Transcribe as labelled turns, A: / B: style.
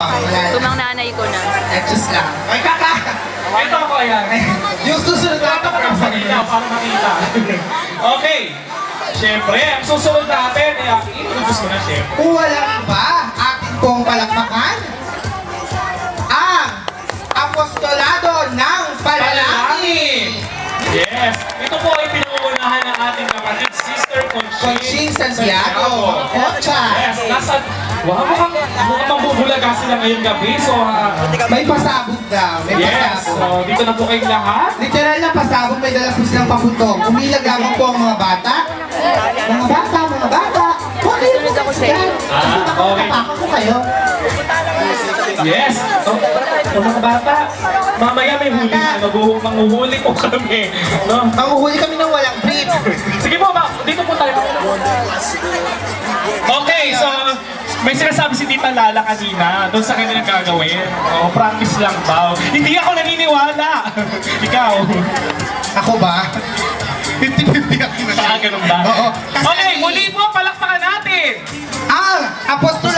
A: Tumang nanay ko na.
B: Just lang. Ay, kaka!
C: Ito ako yan.
B: Yung susunod na
C: Ito ko ng salita para makita. Okay. Siyempre, ang susunod natin, i-introduce ko na siyempre.
B: Kung walang iba, ating pong palakpakan, ang apostolado ng Panalangin.
C: Yes. Ito po ay pinangunahan ng ating kapatid, Sister
B: Conching Santiago. Ocha.
C: Yes. Wow, mukhang mambubulaga sila ngayong gabi. So,
B: May pasabog daw. May
C: yes.
B: pasabog.
C: So, dito na po kayong lahat.
B: Literal na pasabog, may dala po silang paputong. Umilag lamang po ang mga bata. Mga bata, mga bata. Huwag kayo po yan.
C: Okay.
B: Nakakatapakan ko kayo.
C: Yes. So, mga bata, mamaya may huli na. Manghuhuli po kami. No?
B: Manguhuli kami ng walang brief.
C: Sige po, dito po tayo. Okay, so may sinasabi si Tita Lala kanina doon sa kanya gagawin. Oh, practice lang daw. Hindi ako naniniwala. Ikaw.
B: Ako ba? 50-50 ako na.
C: Ganun ba?
B: Oo.
C: Okay, muli po, palakpakan natin.
B: Ang apostolado